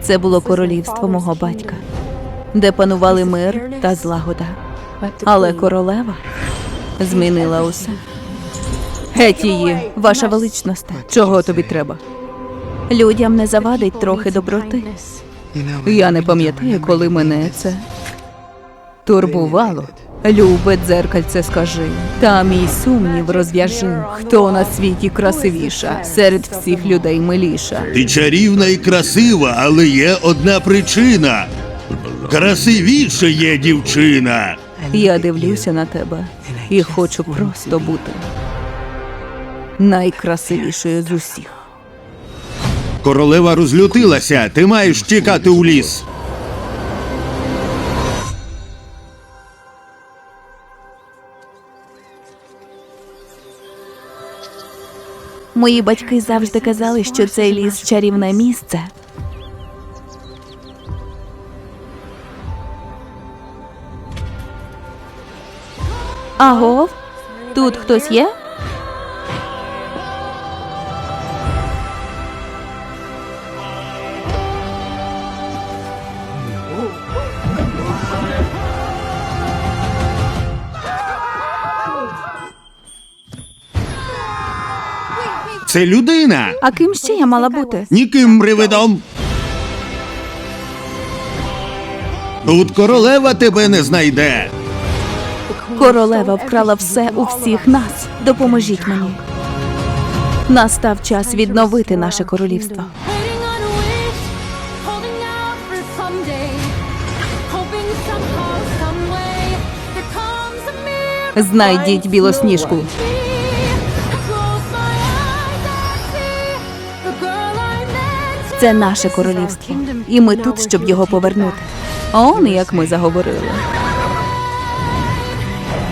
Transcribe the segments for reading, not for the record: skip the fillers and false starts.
Це було королівство мого батька, де панували мир та злагода. Але королева змінила усе. Геть її, ваша величність. Чого тобі треба? Людям не завадить трохи доброти. Я не пам'ятаю, коли мене це турбувало. Любе дзеркальце, скажи, та мій сумнів розв'яжи, хто на світі красивіша, серед всіх людей миліша. Ти чарівна і красива, але є одна причина. Красивіше є дівчина. Я дивлюся на тебе і хочу просто бути найкрасивішою з усіх. Королева розлютилася, ти маєш тікати у ліс. Мої батьки завжди казали, що цей ліс – чарівне місце. Агов? Тут хтось є? Це людина. А ким ще я мала бути? Ніким привидом. Тут королева тебе не знайде. Королева вкрала все у всіх нас. Допоможіть мені. Настав час відновити наше королівство. Waiting on a wish, holding out for someday, hoping somehow, some way, there comes a miracle. Знайдіть Білосніжку. I close my eyes, I see the girl I meant to Це наше королівство. І ми тут, щоб його повернути. Он як ми заговорили.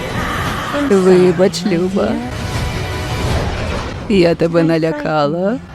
Вибач, Люба. Я тебе налякала.